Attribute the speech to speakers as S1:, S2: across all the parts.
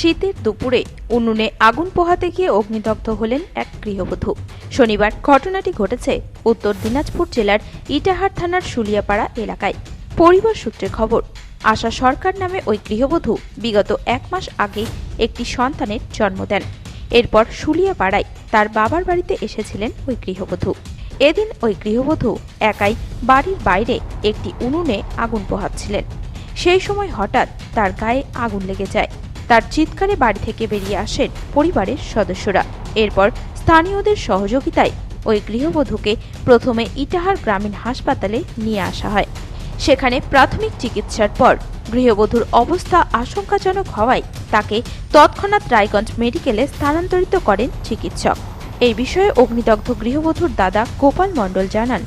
S1: শীতের দুপুরে উনুনে আগুন পোহাতে গিয়ে অগ্নিদগ্ধ হলেন এক গৃহবধূ। শনিবার ঘটনাটি ঘটেছে উত্তর দিনাজপুর জেলার ইটাহার থানার শুলিয়াপাড়া এলাকায়। পরিবার সূত্রে খবর, আশা সরকার নামে ওই গৃহবধূ বিগত 1 মাস আগে একটি সন্তানের জন্ম দেন। এরপর শুলিয়াপাড়ায় তার বাবার বাড়িতে এসেছিলেন ওই গৃহবধূ। এদিন ওই গৃহবধূ একাই বাড়ির বাইরে একটি উনুনে আগুন পোহাচ্ছিলেন। সেই সময় হঠাৎ তার গায়ে আগুন লেগে যায়। তার চিৎকারে বাড়ি থেকে বেরিয়ে আসেন পরিবারের সদস্যরা। এরপর স্থানীয়দের সহযোগিতায় ওই গৃহবধূকে প্রথমে ইটাহার গ্রামীণ হাসপাতালে নিয়ে আসা হয়। সেখানে প্রাথমিক চিকিৎসার পর গৃহবধূর অবস্থা আশঙ্কাজনক হওয়ায় তাকে তৎক্ষণাৎ রায়গঞ্জ মেডিকেলে স্থানান্তরিত করেন চিকিৎসক। এই বিষয়ে অগ্নিদগ্ধ গৃহবধূর দাদা গোপাল মণ্ডল জানান,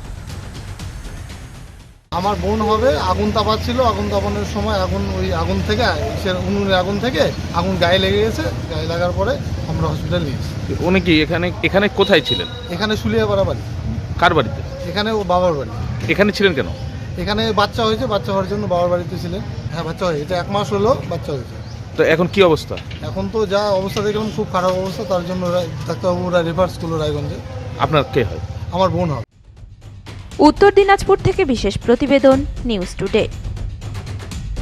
S2: আমার বোন হবে আগুন তাপাচ্ছিল। আগুন তাপানোর সময় আগুন থেকে উনুনের আগুন থেকে আগুন গায়ে লেগে গেছে। গায়ে লাগার পরে আমরা হসপিটাল নিয়ে এসেছি।
S3: উনি কি এখানে কোথায় ছিলেন?
S2: এখানে শুলিয়াপাড়া বাড়ি।
S3: কার বাড়িতে?
S2: এখানে ও বাবার বাড়ি।
S3: এখানে ছিলেন কেন?
S2: এখানে বাচ্চা হয়েছে, বাচ্চা হওয়ার জন্য বাবার বাড়িতে ছিলেন। হ্যাঁ, বাচ্চা হয়েছে, এটা 1 মাস হলো বাচ্চা হয়েছে।
S3: তো এখন কি অবস্থা?
S2: এখন তো যা অবস্থা দেখলাম খুব খারাপ অবস্থা। তার জন্য ডাক্তারবাবুরা রেফার করলো রায়গঞ্জে।
S3: আপনার কে হয়?
S2: আমার বোন হবে।
S1: উত্তর দিনাজপুর থেকে বিশেষ প্রতিবেদন, নিউজ টুডে।